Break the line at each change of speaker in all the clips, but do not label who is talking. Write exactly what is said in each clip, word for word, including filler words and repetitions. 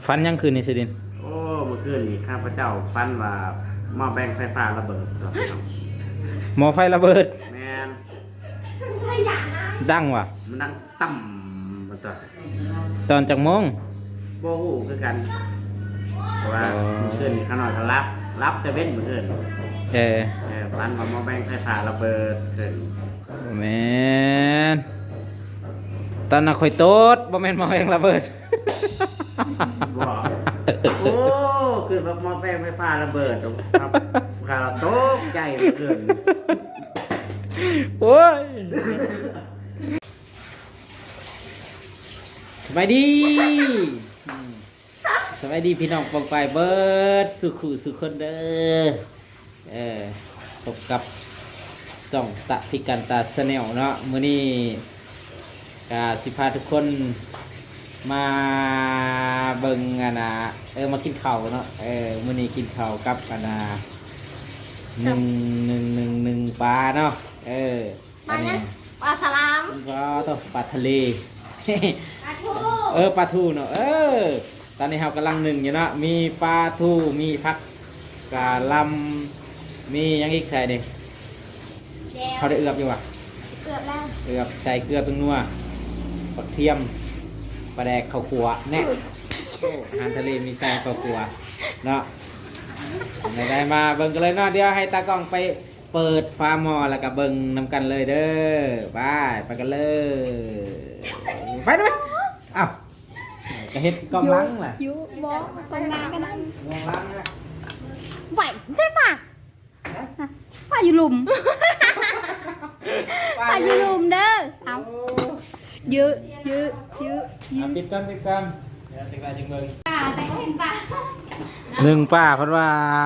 ฟันยังคืนนี่สิดิน
โอ้เมื่อคืนนี่ข้าพเจ้าฟันว่าหม้อแบงไฟฟ้าระเบิดครับ
หมอไฟระเบิด
แมน
ดังว่ะ
มันดังต่ำมาต่อ
ตอนจากโมง
โบหูคือกันเพราะว่าเมื่อคืนนี่ข้าน้อยก็รับรับแต่เว้นเมื่อคืน
เออ
ฟันว่าหม้อแบงไฟฟ้าระเบิดขึ้น
แมนตอนน่ะข่อยโต๊ดบ่แม่นหมอแบงระเบิด
บอกโอ้คือแบบหม้อแบงไฟฟ้าระเบิดครับข้าเราตกใจเมื่อคืน
โอ้ยสบายดีสบายดีพี่น้องปองไปเบิร์ดสุขุสุขคนเด้อเออพบกับส่องตะพิกันตาสแนลเนาะมื้อนี้กาสิพาทุกคนมาเบิ่งอะนะเออมากินข้าวเนาะเออมื้อนี้กินข้าวกับอะนะหนึ่งหนึ่งหนึ่งหนึ่งปลาเนาะเออ
ปลาเนี่ยปลาสลาม
ก็ต้องปลาทะเล
ปลาทู
เออปลาทูเนาะเออตอนนี้เรากำลังหนึ่งอยู่เนาะมีปลาทูมีผักกะหล่ำมียังอีกใส่ดิเขาได้เอือบอยู่วะ
เกือบแล้ว
เอือบใส่เกลือเป็นนัวผักเทียมปลาแดกข้าวขัวแน่อาหารทะเลมีใส่ข้าวขัวเนาะได้มาเบิ่งกันเลยเนาะเดี๋ยวให้ตากล้องไปเปิดฟาร์มหม้อแล้วก็เบิ่งนำกันเลยเด้อไปไปกันเลยไปด้วยอ้าวกระเฮ็ดกองล้างแหละ
ยูบอตรงนั้นกันนั่น
กองล้างนะ
ไหวใช่ป่ะป่าอยู่หลุมป่าอยู่หลุมเด้อเอาเยอะเยอะเยอะเยอะ
ปิดกันปิดกันเดี๋ยวติดกันจังเลย
ป่าแต่ก็เห็นป่า
หนึ่งป้าเพราะว่า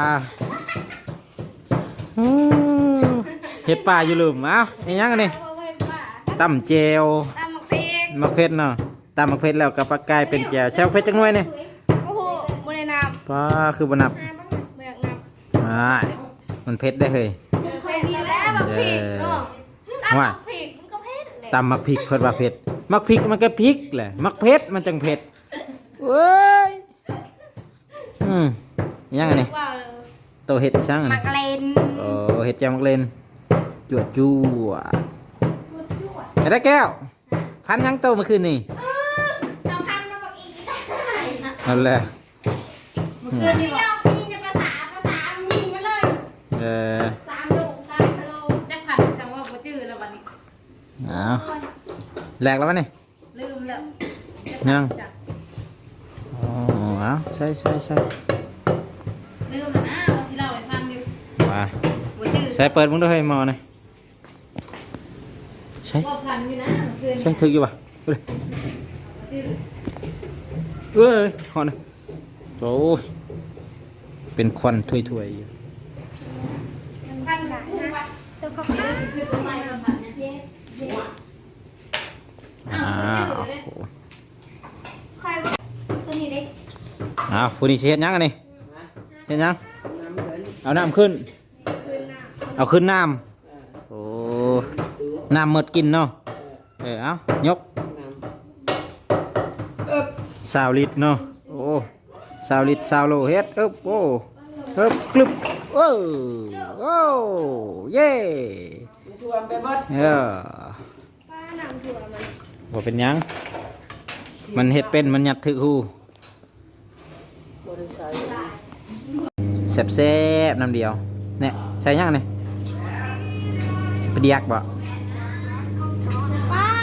เฮ็ดป่าอยู่หลุมเอ้าไอ้ยังกันนี่ตำเจล
ตำมะพริก
มะเพ็ดเนาะตำมะเพ็ดแล้วกับปลากายเป็นแจวแช่เพชรจังหน่วยนี่
โอ้โหบนในน้ำ
ป้าคือบนับไม่มันเพชรได้เลย
เคยดีแล้วมะพริกเนาะตำมะพริกมันก็เผ็ดเลย
ตำมะพริกเพิ่นว่าเผ็ดมะพริกมันก็พริกแหละมะเพ็ดมันจังเผ็ดเว้ยอืมยังไงนี่โตเห็ดอีสัง
มักเลน
โอ้เห็ดแจ่วมักเลนจวดจั่วไอ้ได้แก้วพันยังโตเมื่อคืนนี่
เราพันเราบอกอีก
นั่นแหละ
เมื่อคืนนี่บอกพี่จะภาษาภาษายิงมาเลย
เออ
สามลูกได้ฮัลโหลจะผัดจังว่าบ่จื้อแล้ววันนี้
เอาแหลกแล้วมั้ยนี่
ลืมแล้ว
ยังอ๋อเอาใช่ใช่ใช่
ลืมแล้วนะว่าที่เราไปฟังอยู่
มาใช้เปิดมึงด้วยให้มอหน่อยใช่ใช่ถึกอยู่ป่ะเอ้ยหอนโอ้ยเป็นควันถ้วยๆอยู่อ้าวผู้นี้เสียยังไงนี่เห็นยังเอาน้ำขึ้นเอาขึ้นน้ำโอ้น้ำหมดกินเนาะเออเอายกสาวลิตรเนาะโอ้สาวลิตรสาวโลเฮ็ดเอ๊บโอ้เอ๊บกลึบโอ้โอ้เย่เออว่าเป็นยังมันเฮ็ดเป็นมันหยัดถือหูแซ่บๆน้ำเดียวเนี่ยใส่ยังเนี่ยสิบเดียกบ่
ป้า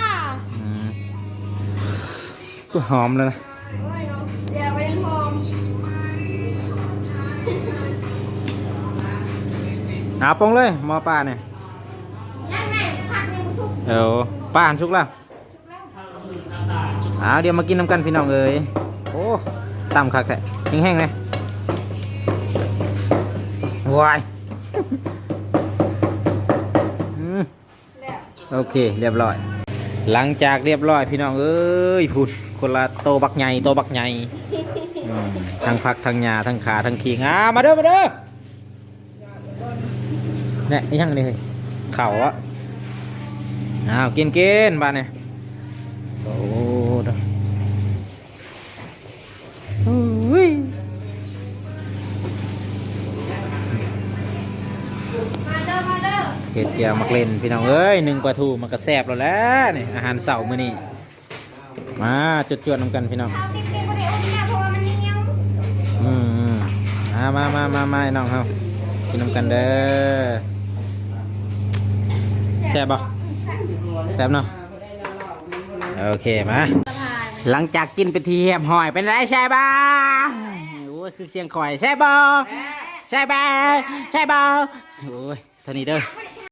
ก็หอมเลยนะ
เดี๋ยวไปหอม
หาปงเลยหม้อปลาเนี่ย
ยังไงผักยังสุก
เออปลาหันสุกแล้วอ้าวเดี๋ยวมากินน้ำกันพี่น้องเอ้ยโอ้ตำคักแท้แห้งๆเลยว้ายโอเคเรียบร้อยหลังจากเรียบร้อยพี่น้องเอ้ยพูดคนละโตบักใหญ่โตบักใหญ่ทั้งผักทั้งหญ้าทั้งขาทั้งขิงอ่ะมาเด้อมาเด้อเนี่ยยังนี่เข่าอ่ะอ้าวกินกินบ้านเนี่ยโอ้เห็ดเจียวมักเล่นพี่น้องเอ้ยหนึ่งปลาทูมันก็แซ่บแล้วแหล้วนี่อาหารเสาร์มื้อนี้มาจดๆนำกันพี่น้อง
เอาติ๊กๆบ่ได้อุ้มนะเพราะว่ามันเหนียว
อืมอืมมามามามามาไอ้น้องเฮากินนำกันเด้อแซ่บบ่แซ่บเนาะโอเคมาหลังจากกินไปทีแฮมหอยเป็นไรใช่บ่โอ้ยคือเสียงข่อยใช่บ่ใช่บ่ใช่บ่โอ้ยเท่านี้เด้อ